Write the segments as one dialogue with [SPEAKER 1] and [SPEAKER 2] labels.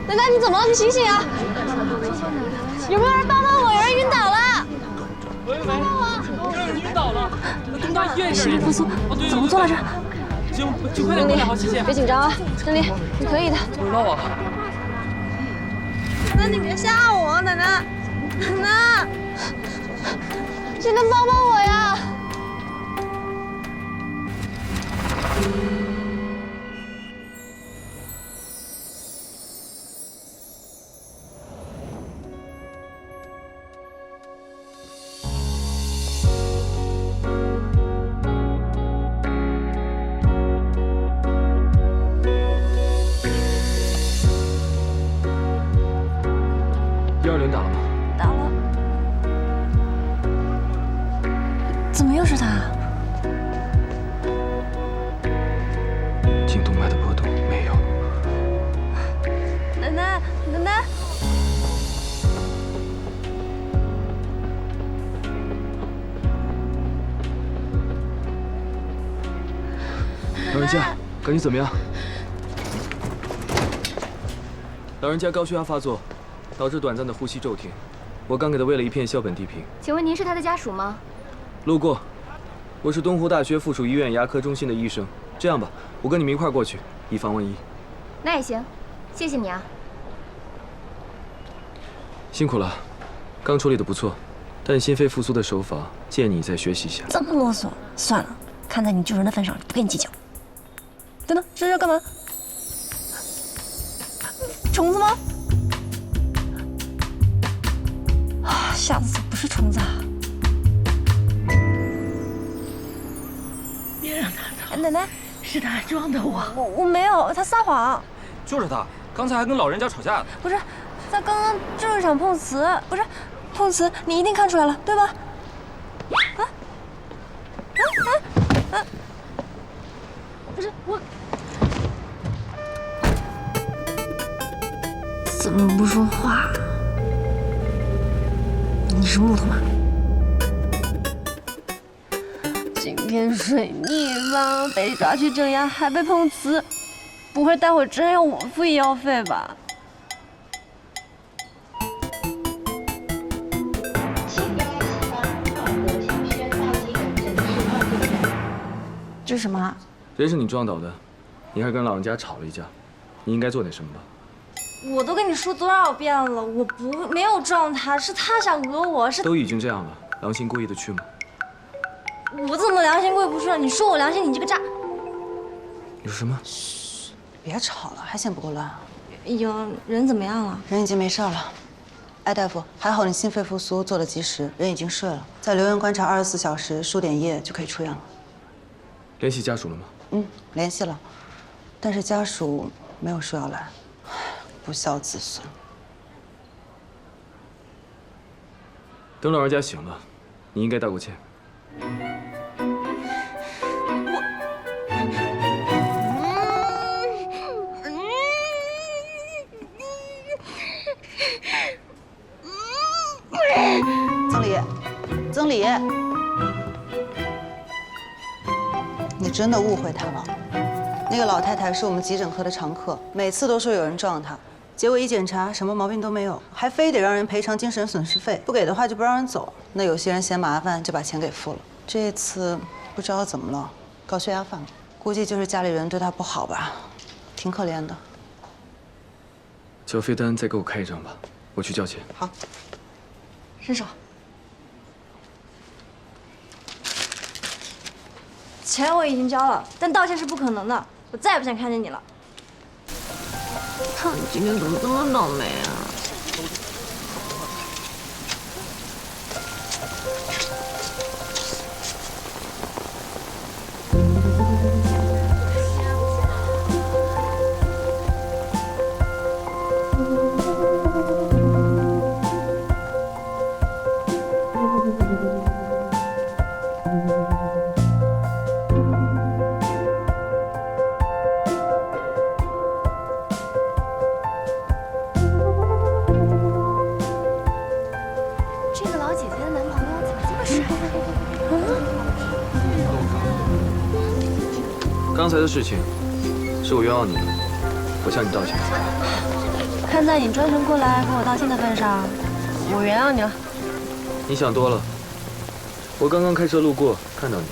[SPEAKER 1] 奶奶，你怎么了？你醒醒啊！有没有人帮帮我？有人晕倒了！
[SPEAKER 2] 喂，有人晕倒了，东大医院
[SPEAKER 1] 心肺复苏，怎么做来着？
[SPEAKER 2] 请快点过来，好，谢谢。
[SPEAKER 1] 别紧张啊，真理，你可以的。
[SPEAKER 2] 不知道啊。
[SPEAKER 1] 奶奶，你别吓我，奶奶，奶奶，谁能帮帮我呀？
[SPEAKER 2] 120打了吗？
[SPEAKER 1] 打了。怎么又是他？
[SPEAKER 2] 颈动脉的波动没有。
[SPEAKER 1] 奶奶，奶奶。
[SPEAKER 2] 老人家，感觉怎么样？老人家高血压发作，导致短暂的呼吸骤停。我刚给他喂了一片硝苯地平。
[SPEAKER 3] 请问您是他的家属吗？
[SPEAKER 2] 路过，我是东湖大学附属医院牙科中心的医生。这样吧，我跟你们一块儿过去，以防万一。
[SPEAKER 3] 那也行，谢谢你啊。
[SPEAKER 2] 辛苦了，刚处理的不错，但心肺复苏的手法建议你再学习一下。
[SPEAKER 1] 这么啰嗦，算了，看在你救人的份上，不跟你计较。等等，这是要干嘛？虫子吗？啊，下次不是虫子啊！
[SPEAKER 4] 别让他逃！
[SPEAKER 1] 奶奶，
[SPEAKER 4] 是他装的我。
[SPEAKER 1] 我没有，他撒谎。
[SPEAKER 5] 就是他，刚才还跟老人家吵架呢。
[SPEAKER 1] 不是，他刚刚就是想碰瓷，不是碰瓷，你一定看出来了，对吧？不是我，怎么不说话？你是木头吗？今天水逆吧，被抓去镇压，还被碰瓷，不会待会真要我付医药费吧？这是什么啊？
[SPEAKER 2] 人是你撞倒的，你还跟老人家吵了一架，你应该做点什么吧？
[SPEAKER 1] 我都跟你说多少遍了，我没有撞他，是他想讹我，是
[SPEAKER 2] 都已经这样了，良心过意得去吗？
[SPEAKER 1] 我怎么良心过意不去了？你说我良心，你这个渣！
[SPEAKER 2] 你说什么？
[SPEAKER 6] 别吵了，还嫌不够乱啊？
[SPEAKER 1] 有人怎么样了？
[SPEAKER 6] 人已经没事了。艾大夫，还好你心肺复苏做得及时，人已经睡了，再留院观察24小时，输点液就可以出院了。
[SPEAKER 2] 联系家属了吗？
[SPEAKER 6] 联系了，但是家属没有说要来，不孝子孙。
[SPEAKER 2] 等老人家醒了，你应该道过歉。
[SPEAKER 6] 曾理，你真的误会他了。那个老太太是我们急诊科的常客，每次都说有人撞她，结果一检查什么毛病都没有，还非得让人赔偿精神损失费，不给的话就不让人走。那有些人嫌麻烦就把钱给付了。这次不知道怎么了，高血压犯了，估计就是家里人对她不好吧，挺可怜的。
[SPEAKER 2] 缴费单再给我开一张吧，我去交钱。
[SPEAKER 6] 好，
[SPEAKER 1] 伸手。钱我已经交了，但道歉是不可能的。我再也不想看见你了。
[SPEAKER 4] 他今天怎么这么倒霉啊？
[SPEAKER 2] 刚才的事情是我冤枉你的，我向你道歉。
[SPEAKER 1] 看在你专程过来跟我道歉的份上，我原谅你了。
[SPEAKER 2] 你想多了。我刚刚开车路过，看到你。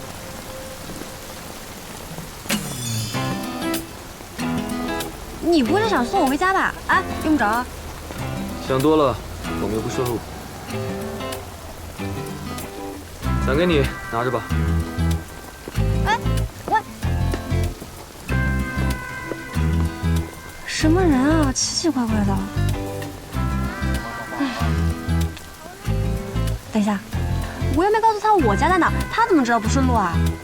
[SPEAKER 1] 你不会是想送我回家吧？啊，用不着啊。
[SPEAKER 2] 想多了，我们又不顺路。伞给你，拿着吧。
[SPEAKER 1] 哎，喂，什么人啊？奇奇怪怪的。哎，等一下，我又没告诉他我家在哪，他怎么知道不顺路啊？